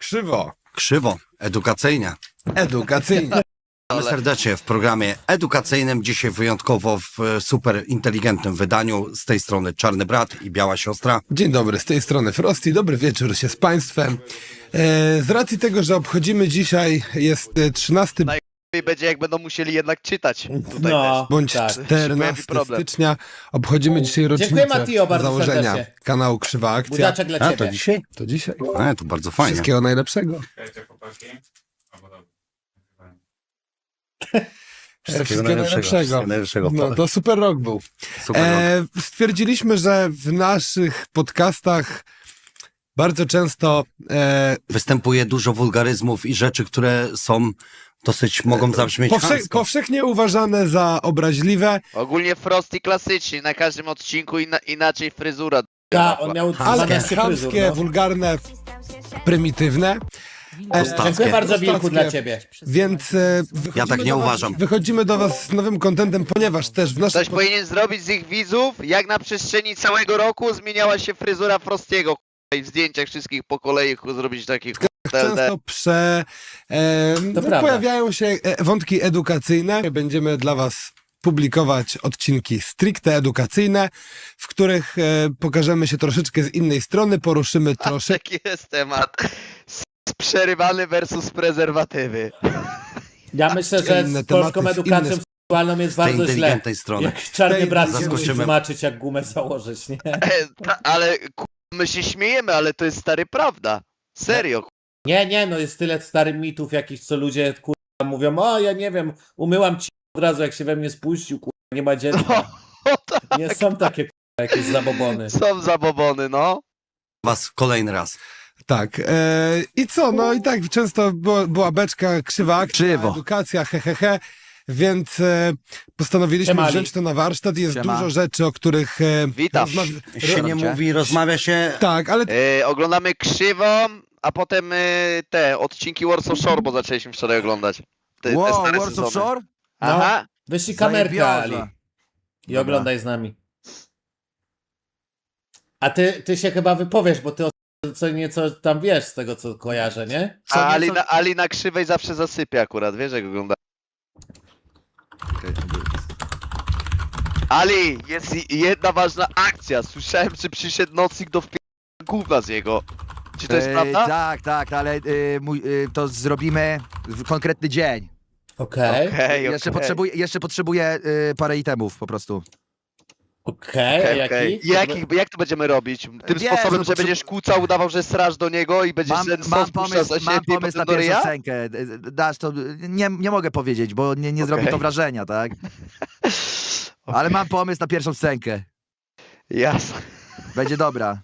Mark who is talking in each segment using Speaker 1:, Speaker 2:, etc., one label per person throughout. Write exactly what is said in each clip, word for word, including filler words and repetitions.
Speaker 1: Krzywo.
Speaker 2: Krzywo, edukacyjnie.
Speaker 1: Edukacyjnie.
Speaker 2: Witamy serdecznie w programie edukacyjnym. Dzisiaj wyjątkowo w e, super inteligentnym wydaniu. Z tej strony Czarny Brat i Biała Siostra.
Speaker 1: Dzień dobry, z tej strony Frosty. Dobry wieczór się z Państwem. E, z racji tego, że obchodzimy dzisiaj, jest e, trzynasty
Speaker 3: I będzie jak będą musieli jednak czytać tutaj
Speaker 4: No,
Speaker 1: bądź
Speaker 4: tak.
Speaker 1: czternastego
Speaker 3: problem.
Speaker 1: stycznia. Obchodzimy dzisiaj
Speaker 4: Dziękuję,
Speaker 1: rocznicę
Speaker 4: Matio, bardzo
Speaker 1: założenia
Speaker 4: serdecznie.
Speaker 1: kanału Krzywa Akcja.
Speaker 4: Budaczek dla
Speaker 2: A,
Speaker 4: ciebie.
Speaker 2: to dzisiaj?
Speaker 1: To dzisiaj.
Speaker 2: A, to bardzo fajnie.
Speaker 1: Wszystkiego najlepszego. Wszystkiego najlepszego.
Speaker 2: Wszystkiego najlepszego.
Speaker 1: No, to super rok był.
Speaker 2: Super rok.
Speaker 1: E, stwierdziliśmy, że w naszych podcastach bardzo często e,
Speaker 2: Występuje dużo wulgaryzmów i rzeczy, które są dosyć, mogą zabrzmieć
Speaker 1: powsze,
Speaker 2: chamsko.
Speaker 1: powszechnie uważane za obraźliwe,
Speaker 3: Ogólnie Frosty klasyczny, na każdym odcinku inna, inaczej fryzura.
Speaker 4: Tak, on miał
Speaker 1: ale
Speaker 4: dwanaście fryzur,
Speaker 1: chamskie,
Speaker 4: no.
Speaker 1: wulgarne, prymitywne. E,
Speaker 2: Prostackie.
Speaker 4: Dziękuję bardzo, Wilku,
Speaker 1: Prostackie.
Speaker 4: dla ciebie.
Speaker 1: Więc e, wychodzimy
Speaker 2: Ja tak nie
Speaker 1: do was,
Speaker 2: uważam.
Speaker 1: Wychodzimy do was z nowym kontentem, ponieważ też w naszym
Speaker 3: Ktoś powinien zrobić z ich widzów, jak na przestrzeni całego roku zmieniała się fryzura Frostiego. I w zdjęciach wszystkich po kolei zrobić takich
Speaker 1: często prze, e, no,
Speaker 4: prawda.
Speaker 1: pojawiają się e, wątki edukacyjne. Będziemy dla was publikować odcinki stricte edukacyjne, w których e, pokażemy się troszeczkę z innej strony, poruszymy troszeczkę.
Speaker 3: Taki jest temat. S- Przerywany versus prezerwatywy.
Speaker 4: Ja myślę, że
Speaker 1: Inne
Speaker 4: z polską
Speaker 1: tematy,
Speaker 4: edukacją
Speaker 1: inne-
Speaker 4: seksualną jest
Speaker 2: Z tej
Speaker 4: bardzo źle.
Speaker 2: inteligentnej strony.
Speaker 4: Jak czarny
Speaker 1: tej-
Speaker 4: brat się musi
Speaker 2: zaskoczymy.
Speaker 4: tłumaczyć, jak gumę założyć, nie?
Speaker 3: E, ta, ale ku- my się śmiejemy, ale to jest stary prawda. Serio.
Speaker 4: Nie, nie, no jest tyle starych mitów jakichś, co ludzie kurwa mówią, o ja nie wiem, umyłam ci od razu, jak się we mnie spuścił, kurwa, nie ma dziecka.
Speaker 3: O, tak.
Speaker 4: Nie są takie kurwa, jakieś zabobony.
Speaker 3: Są zabobony, no.
Speaker 2: Was kolejny raz.
Speaker 1: Tak. E, I co? No i tak często było, była beczka, krzywa akcja,
Speaker 2: Krzywo.
Speaker 1: edukacja, he, he, he. Więc e, postanowiliśmy
Speaker 4: Siemali.
Speaker 1: wziąć to na warsztat. Jest
Speaker 2: Siema.
Speaker 1: dużo rzeczy, o których e,
Speaker 3: Witam.
Speaker 1: rozmawia-
Speaker 2: Się nie mówi, rozmawia się.
Speaker 1: Tak, ale
Speaker 3: E, oglądamy Krzywą, a potem e, te odcinki Warsaw Shore, bo zaczęliśmy wczoraj oglądać. Te, te
Speaker 5: Wow,
Speaker 3: stare
Speaker 5: Warsaw
Speaker 3: sezony.
Speaker 5: Shore?
Speaker 3: Aha.
Speaker 4: Wyślij kamerkę, Ali,
Speaker 5: Zajebioza.
Speaker 4: i
Speaker 5: Dobra.
Speaker 4: oglądaj z nami. A ty, ty się chyba wypowiesz, bo ty o co nieco tam wiesz z tego, co kojarzę, nie?
Speaker 3: A Ali na, Ali na Krzywej zawsze zasypia akurat, wiesz jak ogląda. Ali, jest i- jedna ważna akcja. Słyszałem, że przyszedł nocnik do wpi... gówna z jego. Czy to jest
Speaker 5: E,
Speaker 3: prawda?
Speaker 5: Tak, tak, ale e, mój, e, to zrobimy w konkretny dzień.
Speaker 4: Okej,
Speaker 3: Okej,
Speaker 5: Jeszcze
Speaker 3: okej.
Speaker 5: potrzebuję, jeszcze potrzebuję e, parę itemów po prostu.
Speaker 4: okej,
Speaker 3: Okej,
Speaker 4: a
Speaker 3: okej.
Speaker 4: jaki?
Speaker 3: I Jakich, jak to będziemy robić? Tym
Speaker 5: Wiesz,
Speaker 3: sposobem,
Speaker 5: no
Speaker 3: że
Speaker 5: potrze-
Speaker 3: będziesz kłócał, udawał, że straż do niego i będziesz
Speaker 5: Mam,
Speaker 3: ten sos
Speaker 5: mam
Speaker 3: puszczał
Speaker 5: pomysł,
Speaker 3: za siebie
Speaker 5: mam
Speaker 3: i
Speaker 5: pomysł
Speaker 3: potem
Speaker 5: na
Speaker 3: do
Speaker 5: pierwszą
Speaker 3: ryja?
Speaker 5: scenkę. E, Dasz to, nie, nie mogę powiedzieć, bo nie, nie zrobi
Speaker 3: Okej.
Speaker 5: to wrażenia, tak? Ale mam pomysł na pierwszą scenkę.
Speaker 3: Jasne,
Speaker 5: Będzie dobra.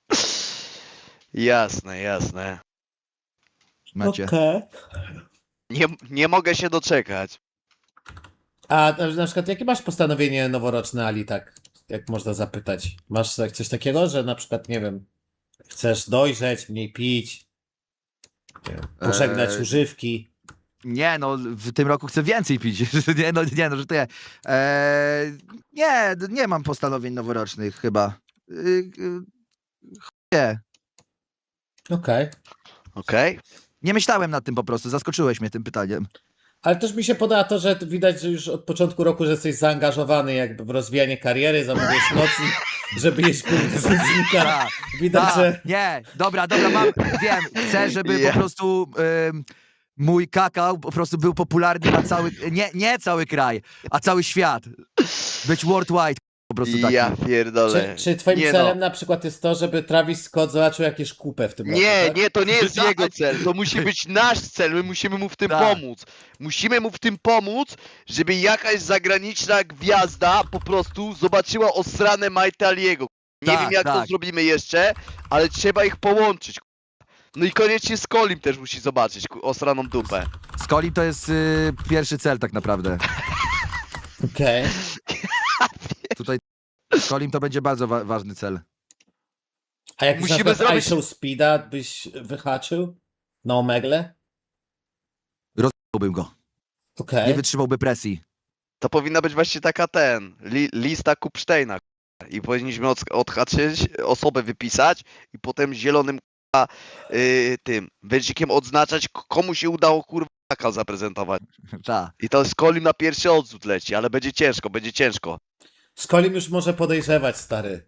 Speaker 3: jasne, jasne.
Speaker 5: Macie.
Speaker 4: Okej.
Speaker 3: Nie, nie mogę się doczekać.
Speaker 4: A na na przykład jakie masz postanowienie noworoczne, Ali, tak? Jak można zapytać? Masz tak- coś takiego, że na przykład, nie wiem, chcesz dojrzeć, mniej pić, nie wiem, pożegnać
Speaker 5: Eee,
Speaker 4: używki?
Speaker 5: Nie, no w tym roku chcę więcej pić. nie, no, nie, no, że to ja. E, nie, nie mam postanowień noworocznych chyba. Y, y, nie.
Speaker 4: Okej.
Speaker 3: Okej?
Speaker 5: Nie myślałem nad tym po prostu, zaskoczyłeś mnie tym pytaniem.
Speaker 4: Ale też mi się podoba to, że widać, że już od początku roku, że jesteś zaangażowany jakby w rozwijanie kariery, zamówiłeś nocnik, żeby jeść kurde z nocnika.
Speaker 5: Tak,
Speaker 4: Widać,
Speaker 5: tak,
Speaker 4: że...
Speaker 5: nie, dobra, dobra, mam, wiem, chcę, żeby
Speaker 3: Ja.
Speaker 5: po prostu ym, mój kakao po prostu był popularny na cały, nie, nie cały kraj, a cały świat. Być worldwide po prostu taki.
Speaker 3: Ja pierdolę.
Speaker 4: Czy, czy twoim
Speaker 3: Nie
Speaker 4: celem
Speaker 3: no.
Speaker 4: na przykład jest to, żeby Travis Scott zobaczył jakieś kupę w tym roku,
Speaker 3: Nie,
Speaker 4: tak?
Speaker 3: nie, to nie jest
Speaker 5: Tak.
Speaker 3: jego cel. To musi być nasz cel. My musimy mu w tym
Speaker 5: Tak.
Speaker 3: pomóc. Musimy mu w tym pomóc, żeby jakaś zagraniczna gwiazda po prostu zobaczyła osrane Majtaliego. Nie
Speaker 5: Tak,
Speaker 3: wiem jak to
Speaker 5: tak.
Speaker 3: zrobimy jeszcze, ale trzeba ich połączyć. No i koniecznie Skolim też musi zobaczyć ku- osraną dupę.
Speaker 5: Z Coli to jest y, pierwszy cel tak naprawdę.
Speaker 4: Okej.
Speaker 5: Tutaj z Colim to będzie bardzo wa ważny cel.
Speaker 4: A jak
Speaker 3: Musimy
Speaker 4: na przykład
Speaker 3: zrobić-
Speaker 4: iShow Speeda byś wyhaczył? Na Omegle?
Speaker 5: Rozbałbym go.
Speaker 4: Okej.
Speaker 5: Nie wytrzymałby presji.
Speaker 3: To powinna być właśnie taka ten, li, lista Kupsztejna. I powinniśmy od, odhaczyć, osobę wypisać i potem zielonym kurwa yy, tym wężykiem odznaczać, k- komu się udało kurwa taka zaprezentować.
Speaker 5: Ta.
Speaker 3: I to z Kolim na pierwszy odrzut leci, ale będzie ciężko, będzie ciężko.
Speaker 4: Z Kolim już może podejrzewać, stary.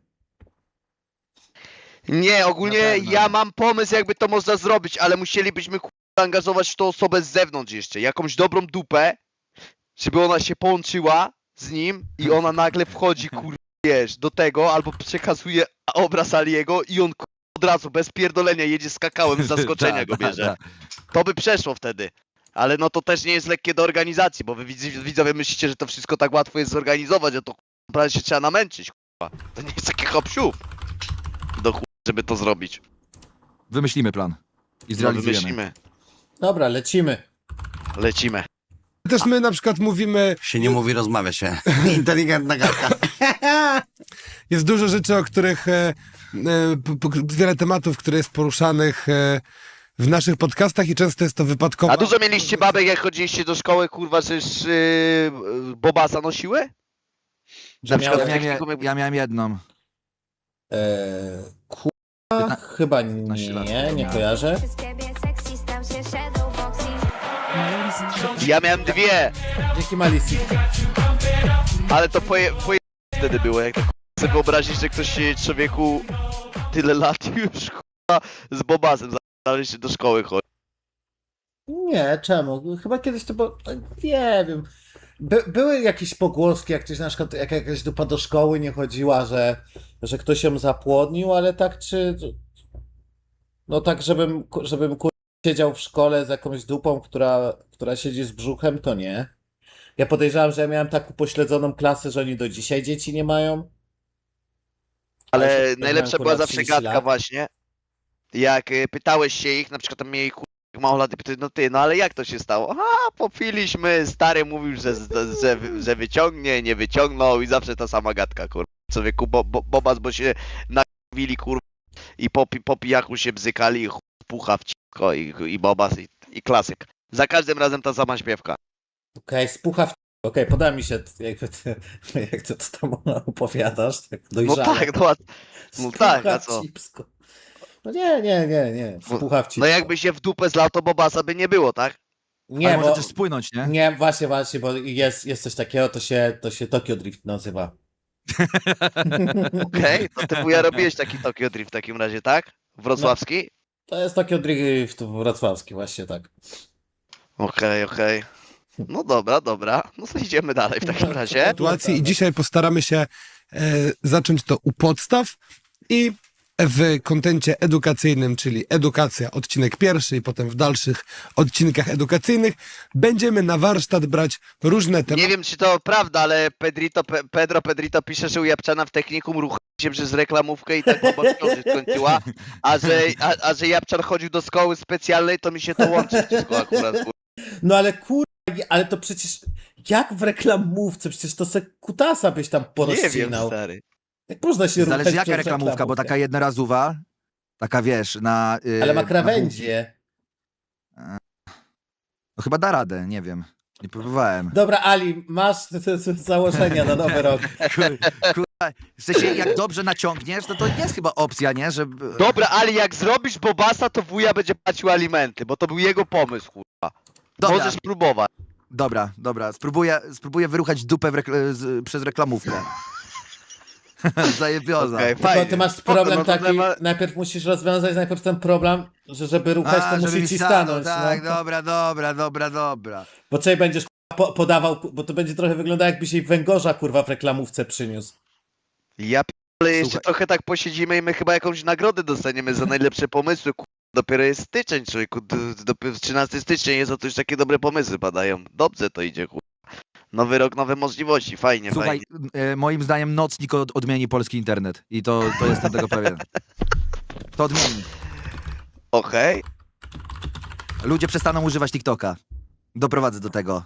Speaker 3: Nie, ogólnie
Speaker 5: Na pewno.
Speaker 3: ja mam pomysł, jakby to można zrobić, ale musielibyśmy kurwa angażować w tą osobę z zewnątrz jeszcze, jakąś dobrą dupę, żeby ona się połączyła z nim i ona nagle wchodzi, kurwa, wiesz, do tego, albo przekazuje obraz Aliego i on kurwa, od razu, bez pierdolenia, jedzie z kakałem, z zaskoczenia
Speaker 5: Ta,
Speaker 3: go
Speaker 5: ta,
Speaker 3: bierze.
Speaker 5: ta.
Speaker 3: To by przeszło wtedy. Ale no to też nie jest lekkie do organizacji, bo wy widz- widzowie myślicie, że to wszystko tak łatwo jest zorganizować, a to kurwa, naprawdę się trzeba namęczyć, kurwa. To nie jest taki hop siup do chuj, żeby to zrobić.
Speaker 5: Wymyślimy plan. I
Speaker 3: No
Speaker 5: zrealizujemy.
Speaker 3: wymyślimy.
Speaker 4: Dobra, lecimy.
Speaker 3: Lecimy.
Speaker 1: Też my na przykład mówimy,
Speaker 2: Się nie mówi, rozmawia się. Inteligentna gadka.
Speaker 1: jest dużo rzeczy, o których, e, e, p- p- wiele tematów, które jest poruszanych e, w naszych podcastach i często jest to wypadkowo.
Speaker 3: A dużo mieliście babek, jak chodziliście do szkoły, kurwa, że yy, yy, Bobasa nosiły?
Speaker 4: Że
Speaker 3: Na przykład
Speaker 4: miałem-
Speaker 5: Ja,
Speaker 3: jak
Speaker 5: miałem,
Speaker 3: tylko jakby-
Speaker 5: ja miałem jedną.
Speaker 4: Eee, kurwa, chyba
Speaker 5: piętnaście lat.
Speaker 4: nie, nie kojarzę.
Speaker 3: Ja miałem dwie,
Speaker 4: Dzięki Malicji.
Speaker 3: ale to poje, poje... wtedy było, jak tak sobie wyobrazić, że ktoś się człowieku tyle lat już, kurwa, z Bobasem dalej się do szkoły chodzi.
Speaker 4: Nie, czemu? Chyba kiedyś to było, nie wiem. By, były jakieś pogłoski, jak ktoś na przykład, jak jakaś dupa do szkoły nie chodziła, że, że ktoś ją zapłodnił, ale tak czy... No tak, żebym, ku- żebym kur... siedział w szkole z jakąś dupą, która, która siedzi z brzuchem, to nie. Ja podejrzewam, że ja miałem tak upośledzoną klasę, że oni do dzisiaj dzieci nie mają.
Speaker 3: Ale
Speaker 4: Ja się-
Speaker 3: najlepsza
Speaker 4: miałem,
Speaker 3: była
Speaker 4: kurwa,
Speaker 3: zawsze
Speaker 4: trzydzieści
Speaker 3: gadka
Speaker 4: lat.
Speaker 3: właśnie, jak y, pytałeś się ich, na przykład tam mieli kur... mało lat i pytali, no ty, no ale jak to się stało? A, popiliśmy, stary mówił, że, że, że, że wyciągnie, nie wyciągnął i zawsze ta sama gadka, kurwa. Człowieku, bo, bo, Bobas, bo się nakwili, kurwa, i po, pi- po pijaku się bzykali i chuj pucha w cicho i, i Bobas i, i klasyk. Za każdym razem ta sama śpiewka.
Speaker 4: Okej, spucha w... Okej, poda mi się, jakby ty, jak ty to tam opowiadasz, tak
Speaker 3: No
Speaker 4: dojrzale.
Speaker 3: tak, no, a- no tak, a
Speaker 4: w
Speaker 3: co?
Speaker 4: cipsko. No nie, nie, nie, nie, spucha w cipsko.
Speaker 3: No jakby się w dupę zlał, to Bobasa by nie było, tak?
Speaker 4: Nie,
Speaker 5: Ale może
Speaker 4: bo...
Speaker 5: też spłynąć, nie?
Speaker 4: Nie, właśnie, właśnie, bo jest, jest coś takiego, to się, to się Tokyo Drift nazywa.
Speaker 3: Okej, to ty wuja robiłeś taki Tokyo Drift w takim razie, tak? Wrocławski?
Speaker 4: To jest Tokyo Drift wrocławski, właśnie tak.
Speaker 3: Okej, okej. No dobra, dobra. No to idziemy dalej w takim razie.
Speaker 1: sytuacji i dzisiaj postaramy się e, zacząć to u podstaw i w kontencie edukacyjnym, czyli edukacja, odcinek pierwszy i potem w dalszych odcinkach edukacyjnych będziemy na warsztat brać różne
Speaker 3: Nie
Speaker 1: tematy.
Speaker 3: wiem, czy to prawda, ale Pedrito, Pe, Pedro Pedrito pisze, że u Japczana w technikum ruchał się przez reklamówkę i tak baba w ciąży skończyła, a że, a, a że Japczan chodził do szkoły specjalnej, to mi się to łączy wszystko akurat. kur-
Speaker 4: No ale kur... ale to przecież, jak w reklamówce, przecież to se kutasa byś tam
Speaker 3: Nie wiem,
Speaker 4: porozcinał.
Speaker 3: stary.
Speaker 4: Jak można się
Speaker 5: Zależy
Speaker 4: ruchać
Speaker 5: jaka
Speaker 4: przez
Speaker 5: reklamówka, bo taka jednorazowa, taka wiesz, na... Yy,
Speaker 4: Ale ma
Speaker 5: na
Speaker 4: krawędzie.
Speaker 5: No chyba da radę, nie wiem. Nie próbowałem.
Speaker 4: Dobra, Ali, masz te, te, te założenia na nowy rok.
Speaker 5: Kurwa, w sensie jak dobrze naciągniesz, no to jest chyba opcja, nie? Że...
Speaker 3: Dobra, ale jak zrobisz Bobasa, to wuja będzie płacił alimenty, bo to był jego pomysł, kurwa.
Speaker 5: Dobra,
Speaker 3: Możesz próbować.
Speaker 5: dobra, dobra. Spróbuję, spróbuję wyruchać dupę w rekl- z, przez reklamówkę. Zajebioza.
Speaker 3: Okej,
Speaker 4: Tylko
Speaker 3: fajnie.
Speaker 4: ty masz
Speaker 3: Spoko,
Speaker 4: problem
Speaker 3: no to
Speaker 4: taki,
Speaker 3: ma-
Speaker 4: najpierw musisz rozwiązać najpierw ten problem, że żeby ruchać, to
Speaker 5: A, żeby
Speaker 4: musi
Speaker 5: mi
Speaker 4: ci
Speaker 5: stanął,
Speaker 4: stanąć.
Speaker 5: Tak,
Speaker 4: no.
Speaker 5: dobra, dobra, dobra, dobra.
Speaker 4: Bo co będziesz po, podawał, bo to będzie trochę wyglądało jakbyś jej węgorza kurwa w reklamówce przyniósł.
Speaker 3: Ja ale jeszcze
Speaker 5: Słuchaj.
Speaker 3: trochę tak posiedzimy i my chyba jakąś nagrodę dostaniemy za najlepsze pomysły. Ku... Dopiero jest styczeń, człowieku. d- Dopiero trzynastego stycznia jest, a to już takie dobre pomysły padają. Dobrze to idzie, ku... Nowy rok, nowe możliwości, fajnie,
Speaker 5: Słuchaj,
Speaker 3: fajnie.
Speaker 5: e, moim zdaniem nocnik od, odmieni polski internet. I to, to jestem tego pewien. To odmieni.
Speaker 3: Okej.
Speaker 5: Ludzie przestaną używać TikToka. Doprowadzę do tego.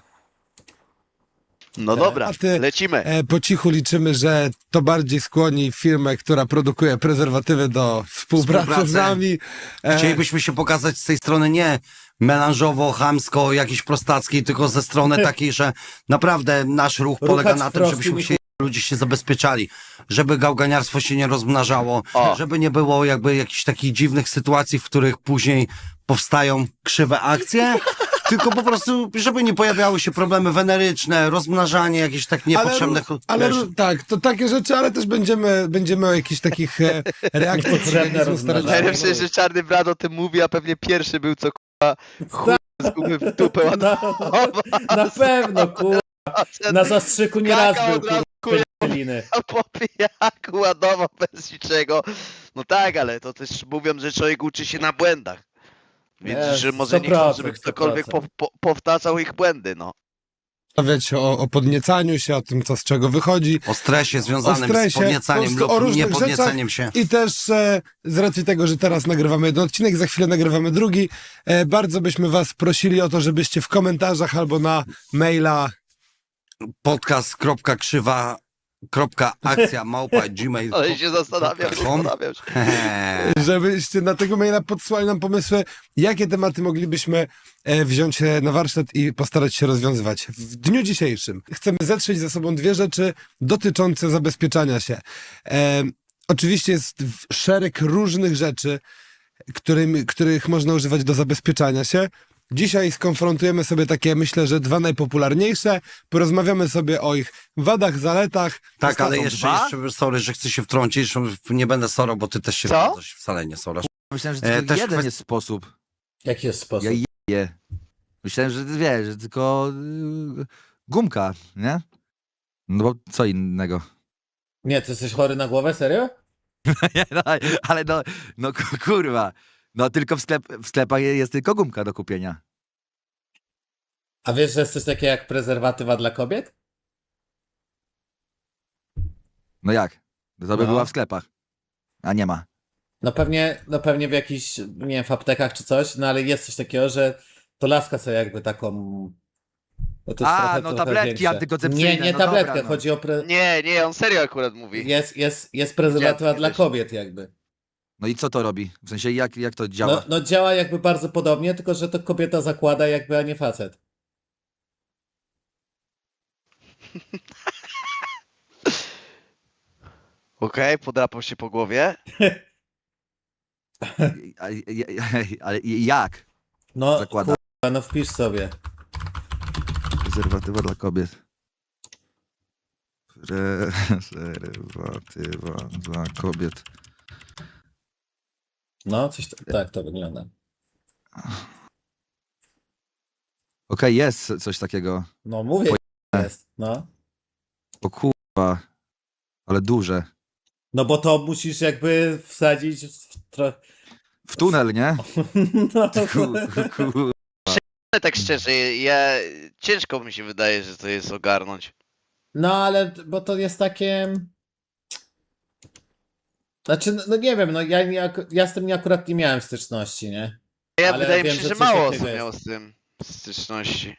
Speaker 3: No
Speaker 4: Tak.
Speaker 3: dobra,
Speaker 1: A ty-
Speaker 3: lecimy.
Speaker 1: E, po cichu liczymy, że to bardziej skłoni firmę, która produkuje prezerwatywy do współpracy z
Speaker 2: Współpracy.
Speaker 1: nami. E,
Speaker 2: Chcielibyśmy się pokazać z tej strony nie melanżowo, chamsko, jakiejś prostackiej, tylko ze strony takiej, że naprawdę nasz ruch polega
Speaker 4: Ruchać
Speaker 2: na tym, żebyśmy
Speaker 4: prostym i
Speaker 2: się ludzie się zabezpieczali, żeby gałganiarstwo się nie rozmnażało,
Speaker 3: O.
Speaker 2: żeby nie było jakby jakichś takich dziwnych sytuacji, w których później powstają krzywe akcje, tylko po prostu, żeby nie pojawiały się problemy weneryczne, rozmnażanie jakichś tak niepotrzebnych...
Speaker 1: Ale
Speaker 2: wiesz,
Speaker 1: ró- tak, to takie rzeczy, ale też będziemy, będziemy o jakichś takich e, reakcjach
Speaker 4: Niepotrzebne
Speaker 1: organizmu starać się-
Speaker 4: rozmnażanie.
Speaker 3: Najlepsze, że Czarny Brat o tym mówi, a pewnie pierwszy był, co kurwa chuj z gumy w dupę ładował.
Speaker 4: Na pewno, kurwa. Na zastrzyku nie raz był, kurwa, liny.
Speaker 3: A po pijaku ładował bez niczego. No tak, ale to też mówią, że człowiek uczy się na błędach. Więc
Speaker 4: Jest,
Speaker 3: że może nie chcą,
Speaker 4: sto procent,
Speaker 3: żeby
Speaker 4: sto
Speaker 3: ktokolwiek po,
Speaker 4: procent.
Speaker 3: po, powtarzał ich błędy, no.
Speaker 1: Rozmawiać o, o podniecaniu się, o tym, co z czego wychodzi.
Speaker 2: o stresie związanym
Speaker 1: O stresie,
Speaker 2: z podniecaniem
Speaker 1: po prostu o
Speaker 2: lub
Speaker 1: różnych
Speaker 2: niepodniecaniem się.
Speaker 1: I też e, z racji tego, że teraz nagrywamy jeden odcinek, za chwilę nagrywamy drugi, e, bardzo byśmy was prosili o to, żebyście w komentarzach albo na maila,
Speaker 2: podcast.krzywa.akcja małpa gmail.
Speaker 3: Ale się zastanawiam,
Speaker 2: kropka com.
Speaker 3: zastanawiam się.
Speaker 1: żebyście na tego maila podsyłali nam pomysły, jakie tematy moglibyśmy e, wziąć e, na warsztat i postarać się rozwiązywać. W dniu dzisiejszym chcemy zetrzeć ze sobą dwie rzeczy dotyczące zabezpieczania się. E, oczywiście jest w- szereg różnych rzeczy, którym, których można używać do zabezpieczania się. Dzisiaj skonfrontujemy sobie takie, myślę, że dwa najpopularniejsze. Porozmawiamy sobie o ich wadach, zaletach.
Speaker 2: Tak, ale
Speaker 5: są
Speaker 2: jeszcze,
Speaker 5: dwa?
Speaker 2: jeszcze, sorry, że chcę się wtrącić, nie będę sorą, bo ty też się
Speaker 3: Co?
Speaker 2: wtrącasz, wcale nie sorasz.
Speaker 5: Myślałem, że
Speaker 2: E,
Speaker 5: tylko
Speaker 2: też
Speaker 5: jeden
Speaker 2: kwest-
Speaker 5: jest sposób.
Speaker 4: Jaki jest sposób?
Speaker 5: Ja je. Myślałem, że wiesz, że tylko y, gumka, nie? No bo co innego.
Speaker 4: Nie, ty jesteś chory na głowę, serio?
Speaker 5: Nie, no, ale no, no ku- kurwa. No tylko w, sklep, w sklepach jest tylko gumka do kupienia.
Speaker 4: A wiesz, że jest coś takiego jak prezerwatywa dla kobiet?
Speaker 5: No jak? To by
Speaker 4: No.
Speaker 5: była w sklepach. A nie ma.
Speaker 4: No pewnie, no pewnie w jakichś, nie wiem, w aptekach czy coś, no ale jest coś takiego, że to laska sobie jakby taką... No to jest
Speaker 5: A,
Speaker 4: trochę,
Speaker 5: no
Speaker 4: trochę
Speaker 5: tabletki
Speaker 4: większe.
Speaker 5: antykoncepcyjne,
Speaker 4: Nie, nie
Speaker 5: no
Speaker 4: tabletkę,
Speaker 5: dobra, no.
Speaker 4: chodzi o... Pre...
Speaker 3: Nie, nie, on serio akurat mówi.
Speaker 4: Jest, jest, jest prezerwatywa
Speaker 3: Widziałem
Speaker 4: dla
Speaker 3: kiedyś.
Speaker 4: kobiet jakby.
Speaker 5: No i co to robi? W sensie jak, jak to działa?
Speaker 4: No, no działa jakby bardzo podobnie, tylko że to kobieta zakłada jakby, a nie facet.
Speaker 3: Okej, podrapał się po głowie.
Speaker 5: Ale, ale jak?
Speaker 4: No,
Speaker 5: Zakłada.
Speaker 4: kurwa, no wpisz sobie.
Speaker 5: Prezerwatywa dla kobiet. Prezerwatywa dla kobiet.
Speaker 4: No, coś t- tak to wygląda.
Speaker 5: Okej, jest coś takiego.
Speaker 4: No mówię, jest, no.
Speaker 5: O kurwa. Ale duże.
Speaker 4: No bo to musisz jakby wsadzić w trochę...
Speaker 5: W tunel, nie?
Speaker 4: No,
Speaker 5: Ku, ku,
Speaker 3: Ale tak szczerze, ja ciężko mi się wydaje, że to jest ogarnąć.
Speaker 4: no ale, bo to jest takie... Znaczy, no, no nie wiem, no ja, nie, ak- ja z tym nie, akurat nie miałem styczności, nie?
Speaker 3: Ja
Speaker 4: Ale
Speaker 3: wydaje
Speaker 4: wiem,
Speaker 3: mi się,
Speaker 4: że
Speaker 3: że
Speaker 4: coś
Speaker 3: mało
Speaker 4: takiego
Speaker 3: osób miało
Speaker 4: jest.
Speaker 3: z tym styczności.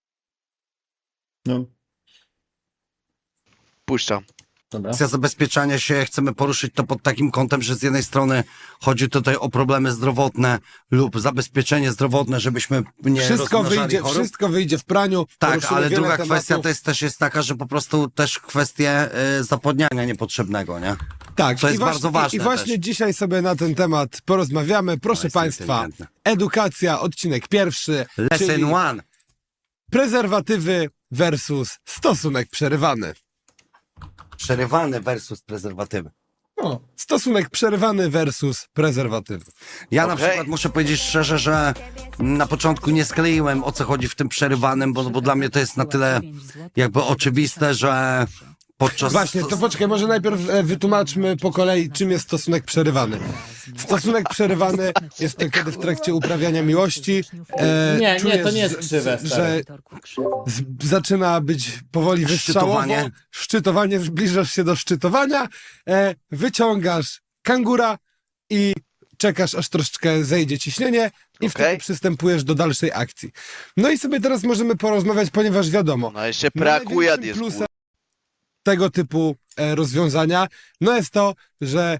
Speaker 4: No,
Speaker 3: Puszczam.
Speaker 4: dobra.
Speaker 2: Kwestia zabezpieczania się, chcemy poruszyć to pod takim kątem, że z jednej strony chodzi tutaj o problemy zdrowotne lub zabezpieczenie zdrowotne, żebyśmy nie
Speaker 1: Wszystko
Speaker 2: rozmnażali
Speaker 1: wyjdzie,
Speaker 2: chorób.
Speaker 1: wszystko wyjdzie w praniu.
Speaker 2: Tak,
Speaker 1: poruszymy
Speaker 2: ale
Speaker 1: wiele
Speaker 2: druga
Speaker 1: tematów.
Speaker 2: kwestia to jest, też jest taka, że po prostu też kwestie y, zapodniania niepotrzebnego, nie?
Speaker 1: Tak,
Speaker 2: Co jest
Speaker 1: i właśnie,
Speaker 2: bardzo ważne
Speaker 1: I, i właśnie
Speaker 2: też.
Speaker 1: dzisiaj sobie na ten temat porozmawiamy. Proszę
Speaker 2: To jest
Speaker 1: Państwa,
Speaker 2: inteligentne.
Speaker 1: edukacja, odcinek pierwszy,
Speaker 2: Lesson
Speaker 1: czyli
Speaker 2: one.
Speaker 1: prezerwatywy versus stosunek przerywany.
Speaker 2: Przerywany versus prezerwatywy.
Speaker 1: O, stosunek przerywany versus prezerwatywy.
Speaker 2: Ja na
Speaker 3: Okej.
Speaker 2: przykład muszę powiedzieć szczerze, że na początku nie skleiłem, o co chodzi w tym przerywanym, bo, bo dla mnie to jest na tyle jakby oczywiste, że podczas...
Speaker 1: Właśnie, to poczekaj, może najpierw e, wytłumaczmy po kolei, czym jest stosunek przerywany. Stosunek przerywany jest to, kiedy w trakcie uprawiania miłości e,
Speaker 4: Nie, nie,
Speaker 1: czujesz,
Speaker 4: to nie jest
Speaker 1: że-
Speaker 4: krzywe,
Speaker 1: że
Speaker 4: stary.
Speaker 1: z, zaczyna być powoli wystrzałowo,
Speaker 2: Szczytowanie.
Speaker 1: szczytowanie, zbliżasz się do szczytowania, e, wyciągasz kangura i czekasz, aż troszeczkę zejdzie ciśnienie i wtedy
Speaker 3: Okej.
Speaker 1: przystępujesz do dalszej akcji. No i sobie teraz możemy porozmawiać, ponieważ wiadomo,
Speaker 3: No jeszcze
Speaker 1: no
Speaker 3: brakuje
Speaker 1: największym
Speaker 3: jest
Speaker 1: plusem
Speaker 3: kur...
Speaker 1: tego typu e, rozwiązania, no jest to, że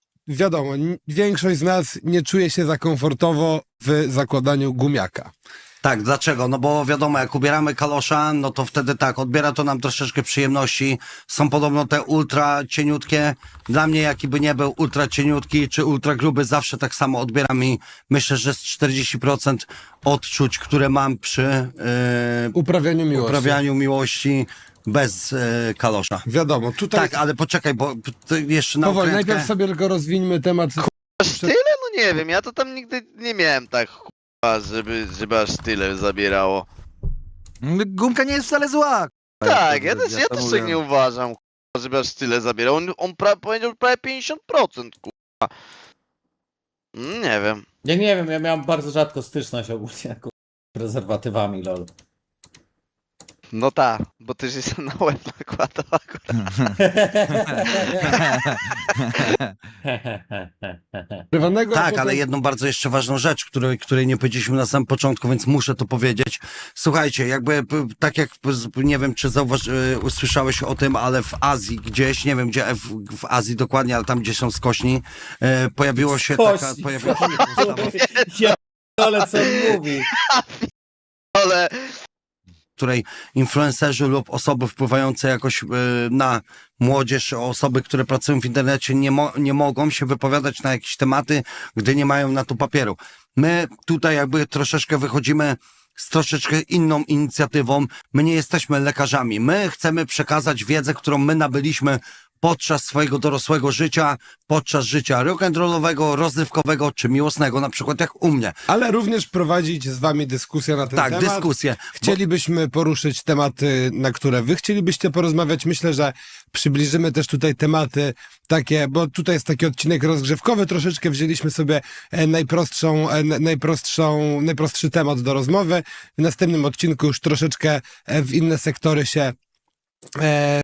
Speaker 1: wiadomo, n- większość z nas nie czuje się za komfortowo w zakładaniu gumiaka.
Speaker 2: Tak, dlaczego? No bo wiadomo, jak ubieramy kalosza, no to wtedy tak, odbiera to nam troszeczkę przyjemności. Są podobno te ultra cieniutkie. Dla mnie, jaki by nie był ultra cieniutki czy ultra gruby, zawsze tak samo odbiera mi, myślę, że z czterdzieści procent odczuć, które mam przy yy,
Speaker 1: Uprawianiu miłości.
Speaker 2: uprawianiu miłości bez yy, kalosza.
Speaker 1: Wiadomo, tutaj
Speaker 2: Tak, ale poczekaj, bo to jeszcze na
Speaker 1: powoli,
Speaker 2: okrętkę.
Speaker 1: najpierw sobie tylko rozwińmy temat.
Speaker 3: Aż tyle? No nie wiem, ja to tam nigdy nie miałem tak chupa, żeby, żeby aż tyle zabierało.
Speaker 5: Gumka nie jest wcale zła.
Speaker 3: Tak, ja też, ja
Speaker 5: to
Speaker 3: też
Speaker 5: mówię.
Speaker 3: tak nie uważam, kurwa, żeby aż tyle zabierał. On, on pra, powiedział prawie pięćdziesiąt procent, kurwa. Mm, Nie wiem.
Speaker 4: Ja nie wiem, ja miałem bardzo rzadko styczność ogólnie jako prezerwatywami, lol.
Speaker 3: No tak, bo ty się na łeb nakładał akurat.
Speaker 1: Prywatnego, a
Speaker 2: Tak,
Speaker 1: potem-
Speaker 2: ale jedną bardzo jeszcze ważną rzecz, której, której nie powiedzieliśmy na samym początku, więc muszę to powiedzieć. Słuchajcie, jakby p- tak jak p- z- nie wiem, czy zauważy, y, usłyszałeś o tym, ale w Azji gdzieś, nie wiem gdzie, w, w Azji dokładnie, ale tam gdzie są skośni, y, pojawiło się taka,
Speaker 4: Skośni.
Speaker 2: pojawiła się taka ustawa,
Speaker 4: Ja ale co on mówi?
Speaker 3: Ale
Speaker 2: w której influencerzy lub osoby wpływające jakoś y, na młodzież, osoby, które pracują w internecie, nie, mo- nie mogą się wypowiadać na jakieś tematy, gdy nie mają na to papieru. My tutaj jakby troszeczkę wychodzimy z troszeczkę inną inicjatywą. My nie jesteśmy lekarzami. My chcemy przekazać wiedzę, którą my nabyliśmy podczas swojego dorosłego życia, podczas życia rock'n'rollowego, rozrywkowego czy miłosnego, na przykład jak u mnie.
Speaker 1: Ale również prowadzić z wami dyskusję na ten
Speaker 2: Tak,
Speaker 1: temat.
Speaker 2: dyskusję.
Speaker 1: Chcielibyśmy poruszyć tematy, na które wy chcielibyście porozmawiać. Myślę, że przybliżymy też tutaj tematy takie, bo tutaj jest taki odcinek rozgrzewkowy. Troszeczkę wzięliśmy sobie e, najprostszą, e, na- najprostszą, najprostszy temat do rozmowy. W następnym odcinku już troszeczkę e, w inne sektory się e,